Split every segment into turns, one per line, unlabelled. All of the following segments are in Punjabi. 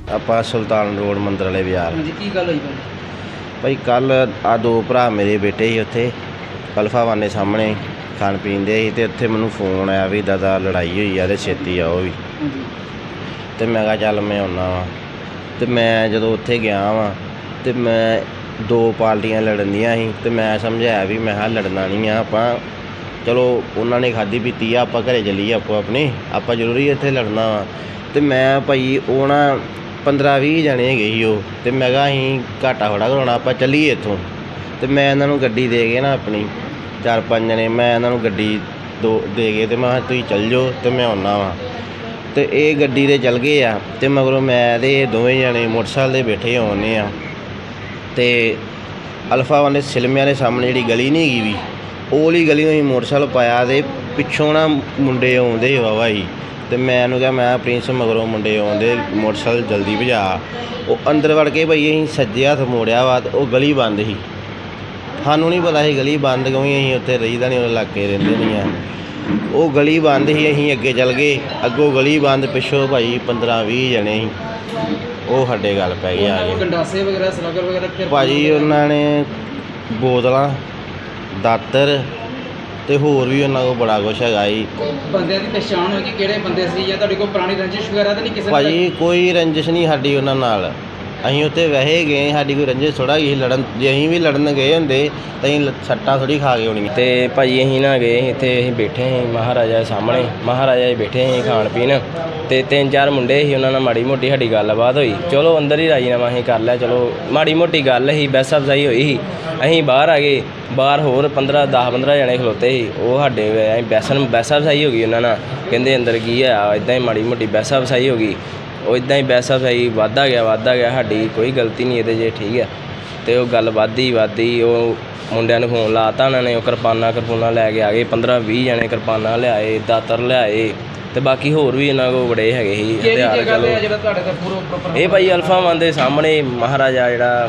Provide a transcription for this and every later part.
ਆਪਾਂ ਸੁਲਤਾਨ ਰੋਡ ਮੰਦਰ ਵਾਲੇ ਬਾਜ਼ਾਰ।
ਹਾਂਜੀ, ਕੀ ਗੱਲ ਹੋਈ
ਭਾਈ ਕੱਲ ਆ ਦੋ ਭਰਾ ਮੇਰੇ ਬੇਟੇ ਸੀ ਉੱਥੇ ਅਲਫਾ ਵਾਨੇ ਸਾਹਮਣੇ ਖਾਣ ਪੀਣ ਦੇ ਸੀ, ਅਤੇ ਉੱਥੇ ਮੈਨੂੰ ਫੋਨ ਆਇਆ ਵੀ ਦਾਦਾ ਲੜਾਈ ਹੋਈ ਆ ਅਤੇ ਛੇਤੀ ਆਓ ਵੀ। ਅਤੇ ਮੈਂ ਕਿਹਾ ਚੱਲ ਮੈਂ ਆਉਂਦਾ ਵਾਂ। ਅਤੇ ਮੈਂ ਜਦੋਂ ਉੱਥੇ ਗਿਆ ਵਾਂ ਅਤੇ ਮੈਂ ਦੋ ਪਾਰਟੀਆਂ ਲੜਨ ਦੀਆਂ ਸੀ, ਅਤੇ ਮੈਂ ਸਮਝਾਇਆ ਵੀ ਮੈਂ ਕਿਹਾ ਲੜਨਾ ਨਹੀਂ ਆ ਆਪਾਂ, ਚਲੋ ਉਹਨਾਂ ਨੇ ਖਾਧੀ ਪੀਤੀ ਆ, ਆਪਾਂ ਘਰੇ ਚੱਲੀਏ ਆਪੋ ਆਪਣੇ, ਆਪਾਂ ਜ਼ਰੂਰੀ ਇੱਥੇ ਲੜਨਾ ਵਾ। ਅਤੇ ਮੈਂ ਭਾਈ ਉਹ ਨਾ 15-20 ਜਣੇ ਹੈਗੇ ਸੀ ਉਹ, ਅਤੇ ਮੈਂ ਕਿਹਾ ਅਸੀਂ ਘਾਟਾ ਥੋੜ੍ਹਾ ਕਰਾਉਣਾ, ਆਪਾਂ ਚੱਲੀਏ ਇੱਥੋਂ। ਅਤੇ ਮੈਂ ਇਹਨਾਂ ਨੂੰ ਗੱਡੀ ਦੇ ਕੇ ਨਾ ਆਪਣੀ 4-5 ਜਣੇ ਮੈਂ ਇਹਨਾਂ ਨੂੰ ਗੱਡੀ ਦੇ ਕੇ ਅਤੇ ਮੈਂ ਕਿਹਾ ਤੁਸੀਂ ਚੱਲ ਜਾਓ ਅਤੇ ਮੈਂ ਆਉਂਦਾ ਵਾਂ। ਅਤੇ ਇਹ ਗੱਡੀ 'ਤੇ ਚੱਲ ਗਏ ਆ, ਅਤੇ ਮਗਰੋਂ ਮੈਂ ਅਤੇ ਇਹ ਦੋਵੇਂ ਜਣੇ ਮੋਟਰਸਾਈਕਲ 'ਤੇ ਬੈਠੇ ਆਉਂਦੇ ਆ। ਅਤੇ ਅਲਫਾ ਵਾਲੇ ਸਿਲਮਿਆਂ ਦੇ ਸਾਹਮਣੇ ਜਿਹੜੀ ਗਲੀ ਨਹੀਂ ਹੈਗੀ ਵੀ, ਉਹ ਵਾਲੀ ਗਲੀ ਨੂੰ ਅਸੀਂ ਮੋਟਰਸਾਈਕਲ ਪਾਇਆ, ਅਤੇ ਪਿੱਛੋਂ ਨਾ ਮੁੰਡੇ ਆਉਂਦੇ ਵਾਹਵਾ ਸੀ, ਅਤੇ ਮੈਂ ਇਹਨੂੰ ਕਿਹਾ ਮੈਂ ਪ੍ਰਿੰਸ ਮਗਰੋਂ ਮੁੰਡੇ ਆਉਂਦੇ, ਮੋਟਰਸਾਈਕਲ ਜਲਦੀ ਭਜਾ। ਉਹ ਅੰਦਰ ਵੜ ਕੇ ਭਾਈ ਅਸੀਂ ਸੱਜੇ ਹੱਥ ਮੋੜਿਆ ਵਾ, ਅਤੇ ਉਹ ਗਲੀ ਬੰਦ ਸੀ। ਸਾਨੂੰ ਨਹੀਂ ਪਤਾ ਸੀ ਗਲੀ ਬੰਦ, ਕਿਉਂਕਿ ਅਸੀਂ ਉੱਥੇ ਰਹੀਦਾ ਨਹੀਂ, ਉਹ ਇਲਾਕੇ ਰਹਿੰਦੇ ਨਹੀਂ ਆ। ਉਹ ਗਲੀ ਬੰਦ ਸੀ, ਅਸੀਂ ਅੱਗੇ ਚੱਲ ਗਏ, ਅੱਗੋਂ ਗਲੀ ਬੰਦ, ਪਿੱਛੋਂ ਭਾਈ 15-20 ਜਣੇ ਸੀ, ਉਹ ਸਾਡੇ ਗੱਲ ਪੈ ਗਏ ਆ ਕੇ।
ਗੰਡਾਸੇ ਵਗੈਰਾ ਸਲਾਗਰ ਵਗੈਰਾ
ਭਾਜੀ ਉਹਨਾਂ ਨੇ ਬੋਤਲਾਂ, ਦਾਤਰ ਅਤੇ ਹੋਰ ਵੀ ਉਹਨਾਂ ਕੋਲ ਬੜਾ ਕੁਛ ਹੈਗਾ ਜੀ।
ਬੰਦਿਆਂ ਦੀ ਪਛਾਣ ਹੋਈ ਕਿ ਕਿਹੜੇ ਬੰਦੇ ਸੀ, ਜਾਂ ਤੁਹਾਡੇ ਕੋਲ ਪੁਰਾਣੀ ਰੰਜਿਸ਼ ਵਗੈਰਾ ਤਾਂ ਨਹੀਂ ਕਿਸੇ ਨਾਲ?
ਭਾਜੀ ਕੋਈ ਰੰਜਿਸ਼ ਨਹੀਂ ਸਾਡੀ ਉਹਨਾਂ ਨਾਲ, ਅਸੀਂ ਉੱਥੇ ਵੈਸੇ ਗਏ, ਸਾਡੀ ਕੋਈ ਰੰਜਿਸ਼ ਥੋੜ੍ਹਾ ਗਈ ਲੜਨ। ਜੇ ਅਸੀਂ ਵੀ ਲੜਨ ਗਏ ਹੁੰਦੇ ਤਾਂ ਅਸੀਂ ਸੱਟਾਂ ਥੋੜ੍ਹੀ ਖਾ ਕੇ ਹੋਣੀਆਂ। ਅਤੇ ਭਾਜੀ ਅਸੀਂ ਨਾ ਗਏ ਇੱਥੇ, ਅਸੀਂ ਬੈਠੇ ਸੀ ਮਹਾਰਾਜਾ ਦੇ ਸਾਹਮਣੇ, ਮਹਾਰਾਜਾ 'ਚ ਬੈਠੇ ਸੀ ਖਾਣ ਪੀਣ, ਅਤੇ 3-4 ਮੁੰਡੇ ਸੀ, ਉਹਨਾਂ ਨਾਲ ਮਾੜੀ ਮੋਟੀ ਸਾਡੀ ਗੱਲਬਾਤ ਹੋਈ। ਚਲੋ ਅੰਦਰ ਹੀ ਰਾਜੀਨਾਮਾ ਅਸੀਂ ਕਰ ਲਿਆ, ਚਲੋ ਮਾੜੀ ਮੋਟੀ ਗੱਲ ਸੀ, ਬਹਿਸ ਅਫਜ਼ਾਈ ਹੋਈ ਸੀ। ਅਸੀਂ ਬਾਹਰ ਆ ਗਏ, ਬਾਹਰ ਹੋਰ 10-15 ਜਣੇ ਖਲੋਤੇ ਸੀ, ਉਹ ਸਾਡੇ ਅਸੀਂ ਬਹਿਸ ਅਫਜ਼ਾਈ ਹੋ ਗਈ ਉਹਨਾਂ ਨਾਲ, ਕਹਿੰਦੇ ਅੰਦਰ ਕੀ ਆ, ਇੱਦਾਂ ਹੀ ਮਾੜੀ ਮੋਟੀ ਬਹਿਸ ਅਫਜ਼ਾਈ ਹੋ ਗਈ। ਉਹ ਇੱਦਾਂ ਹੀ ਬਹਿਸ ਅਫਜ਼ਾਈ ਵੱਧਦਾ ਗਿਆ, ਸਾਡੀ ਕੋਈ ਗਲਤੀ ਨਹੀਂ ਇਹਦੇ 'ਚ, ਠੀਕ ਹੈ। ਅਤੇ ਉਹ ਗੱਲ ਵੱਧਦੀ, ਉਹ ਮੁੰਡਿਆਂ ਨੂੰ ਫੋਨ ਲਾ ਤਾ ਉਹਨਾਂ ਨੇ, ਉਹ ਕਿਰਪਾਨਾਂ ਲੈ ਕੇ ਆ ਗਏ, 15-20 ਜਣੇ ਕਿਰਪਾਨਾਂ ਲਿਆਏ, ਦਾਤਰ ਲਿਆਏ, ਅਤੇ ਬਾਕੀ ਹੋਰ ਵੀ ਇਹਨਾਂ ਕੋਲ ਬੜੇ ਹੈਗੇ ਸੀ ਹਥਿਆਰ। ਚਲੋ ਇਹ ਭਾਈ ਅਲਫਾ ਵਾਨ ਦੇ ਸਾਹਮਣੇ ਮਹਾਰਾਜਾ ਜਿਹੜਾ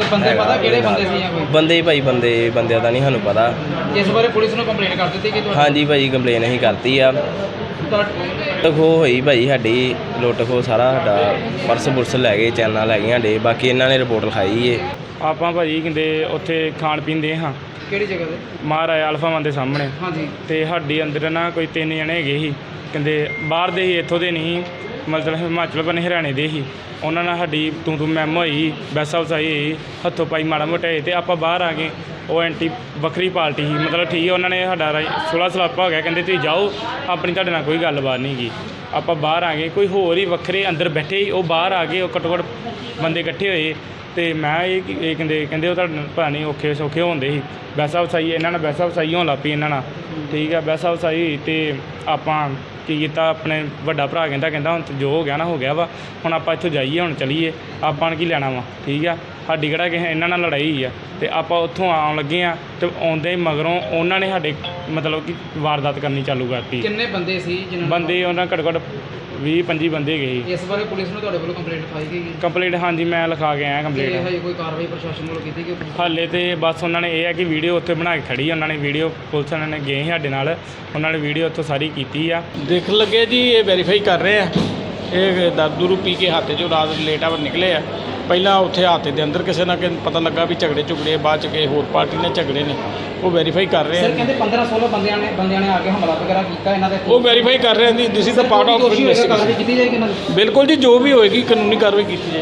ਬੰਦੇ ਭਾਈ ਬੰਦਿਆਂ ਦਾ ਨਹੀਂ ਸਾਨੂੰ ਪਤਾ।
ਇਸ ਬਾਰੇ ਪੁਲਿਸ ਨੂੰ ਕੰਪਲੇਂਟ ਕਰ ਦਿੱਤੀ ਕਿ
ਹਾਂਜੀ ਭਾਈ ਕੰਪਲੇਨ ਅਸੀਂ ਕਰਤੀ ਆ। ਲੁੱਟ ਖੋਹ ਹੋਈ ਭਾਈ ਸਾਡੀ, ਲੁੱਟ ਖੋਹ ਸਾਰਾ ਸਾਡਾ ਪਰਸ ਪੁਰਸ ਲੈ ਗਏ, ਚੈਨਾਂ ਲੈ ਗਏ ਸਾਡੇ, ਬਾਕੀ ਇਹਨਾਂ ਨੇ ਰਿਪੋਰਟ ਲਿਖਾਈ ਏ।
ਆਪਾਂ ਭਾਜੀ ਕਹਿੰਦੇ ਉੱਥੇ ਖਾਣ ਪੀਣ ਦੇ ਹਾਂ।
ਕਿਹੜੀ ਜਗ੍ਹਾ 'ਤੇ?
ਮਹਾਰਾਜਾ ਅਲਫਾ ਵਾਨ ਦੇ ਸਾਹਮਣੇ।
ਹਾਂਜੀ।
ਅਤੇ ਸਾਡੀ ਅੰਦਰ ਨਾ ਕੋਈ 3 ਜਣੇ ਹੈਗੇ ਸੀ, ਕਹਿੰਦੇ ਬਾਹਰ ਦੇ ਸੀ, ਇੱਥੋਂ ਦੇ ਨਹੀਂ, ਮਤਲਬ ਹਿਮਾਚਲ ਬਨੇ ਹਰਿਆਣੇ ਦੇ ਸੀ। ਉਹਨਾਂ ਨਾਲ ਸਾਡੀ ਤੂੰ ਮੈਮ ਹੋਈ, ਬਹਿਸ ਅਫਜ਼ਾਈ ਹੋਈ, ਹੱਥੋਂ ਪਾਈ ਮਾੜਾ ਮੋਟਾ ਹੋਏ, ਅਤੇ ਆਪਾਂ ਬਾਹਰ ਆ ਗਏ। ਉਹ ਐਂਟੀ ਵੱਖਰੀ ਪਾਰਟੀ ਸੀ, ਮਤਲਬ ਠੀਕ ਹੈ, ਉਹਨਾਂ ਨੇ ਸਾਡਾ ਸੁਲ੍ਹਾ ਸਲਾਪਾ ਹੋ ਗਿਆ, ਕਹਿੰਦੇ ਤੁਸੀਂ ਜਾਓ, ਆਪਣੀ ਤੁਹਾਡੇ ਨਾਲ ਕੋਈ ਗੱਲਬਾਤ ਨਹੀਂ ਗੀ। ਆਪਾਂ ਬਾਹਰ ਆ ਗਏ, ਕੋਈ ਹੋਰ ਹੀ ਵੱਖਰੇ ਅੰਦਰ ਬੈਠੇ ਸੀ, ਉਹ ਬਾਹਰ ਆ ਗਏ, ਉਹ ਘੱਟੋ ਘੱਟ ਬੰਦੇ ਇਕੱਠੇ ਹੋਏ। ਅਤੇ ਮੈਂ ਇਹ ਕਹਿੰਦੇ ਉਹ ਤੁਹਾਡੇ ਪਤਾ ਨਹੀਂ ਔਖੇ ਸੌਖੇ ਹੁੰਦੇ ਸੀ, ਬਹਿਸ ਅਫਜ਼ਾਈ ਇਹਨਾਂ ਨਾਲ ਬਹਿਸ ਅਫਜ਼ਾਈ ਹੋਣ ਲੱਗ ਪਈ ਇਹਨਾਂ ਨਾਲ, ਠੀਕ ਹੈ। ਬਹਿਸ ਅਫਜ਼ਾਈ ਹੋਈ ਅਤੇ ਆਪਾਂ ਕੀ ਕੀਤਾ, ਆਪਣੇ ਵੱਡਾ ਭਰਾ ਕਹਿੰਦਾ ਹੁਣ ਜੋ ਹੋ ਗਿਆ ਨਾ ਹੋ ਗਿਆ ਵਾ, ਹੁਣ ਆਪਾਂ ਇੱਥੋਂ ਜਾਈਏ, ਹੁਣ ਚਲੀਏ, ਆਪਾਂ ਨੇ ਕੀ ਲੈਣਾ ਵਾ, ਠੀਕ ਆ। ਸਾਡੀ ਕਿਹੜਾ ਕਿਸੇ ਇਹਨਾਂ ਨਾਲ ਲੜਾਈ ਹੋਈ ਆ, ਅਤੇ ਆਪਾਂ ਉੱਥੋਂ ਆਉਣ ਲੱਗੇ ਹਾਂ, ਅਤੇ ਆਉਂਦੇ ਹੀ ਮਗਰੋਂ ਉਹਨਾਂ ਨੇ ਸਾਡੇ ਮਤਲਬ ਕਿ ਵਾਰਦਾਤ ਕਰਨੀ ਚਾਲੂ ਕਰਤੀ।
ਕਿੰਨੇ ਬੰਦੇ ਸੀ?
ਬੰਦੇ ਉਹਨਾਂ ਘੱਟੋ ਘੱਟ 20-25 ਬੰਦੇ ਹੈਗੇ ਸੀ।
ਇਸ ਬਾਰੇ ਪੁਲਿਸ ਨੂੰ ਤੁਹਾਡੇ ਵੱਲੋਂ ਕੰਪਲੇਂਟ ਲਿਖਾਈ ਗਈ?
ਕੰਪਲੇਂਟ ਹਾਂਜੀ ਮੈਂ ਲਿਖਾ ਕੇ ਆਇਆ ਕੰਪਲੇਂਟ।
ਹਜੇ ਕੋਈ ਕਾਰਵਾਈ ਪ੍ਰਸ਼ਾਸਨ ਵੱਲੋਂ ਕੀਤੀ ਗਈ?
ਹਾਲੇ ਤੇ ਬਸ ਉਹਨਾਂ ਨੇ ਇਹ ਹੈ ਕਿ ਵੀਡੀਓ ਉੱਥੇ ਬਣਾ ਕੇ ਖੜੀ, ਉਹਨਾਂ ਨੇ ਵੀਡੀਓ ਪੁਲਿਸ ਵਾਲਿਆਂ ਨੇ ਗਏ ਸਾਡੇ ਨਾਲ, ਉਹਨਾਂ ਨੇ ਵੀਡੀਓ ਉੱਥੋਂ ਸਾਰੀ ਕੀਤੀ ਆ।
ਦੇਖ ਲੱਗੇ ਜੀ, ਇਹ ਵੈਰੀਫਾਈ ਕਰ ਰਹੇ ਆ। ਇਹ ਦਾਰੂ ਪੀ ਕੇ ਹੱਥ 'ਚੋਂ ਰਾਤ ਲੇਟ ਆਵਰ ਨਿਕਲੇ ਆ। ਪਹਿਲਾਂ ਉੱਥੇ ਹੱਥ ਦੇ ਅੰਦਰ ਕਿਸੇ ਨਾਲ ਪਤਾ ਲੱਗਾ ਵੀ ਝਗੜੇ ਬਾਅਦ 'ਚ ਕਿਸੇ ਹੋਰ ਪਾਰਟੀ ਨੇ ਝਗੜੇ ਨੇ, ਉਹ ਵੈਰੀਫਾਈ ਕਰ ਰਹੇ ਆ।
ਸਰ ਕਹਿੰਦੇ 15-16 ਬੰਦਿਆਂ ਨੇ ਆ ਕੇ ਹਮਲਾ ਵਗੈਰਾ ਕੀਤਾ ਇਹਨਾਂ ਦੇ,
ਉਹ ਵੈਰੀਫਾਈ ਕਰ ਰਹੇ ਆ। This is the part of investigation.
ਕੀਤੀ ਜਾਏਗੀ ਇਹਨਾਂ ਦੀ?
ਬਿਲਕੁਲ ਜੀ, ਜੋ ਵੀ ਹੋਏਗੀ ਕਾਨੂੰਨੀ ਕਾਰਵਾਈ ਕੀਤੀ ਜਾਏਗੀ।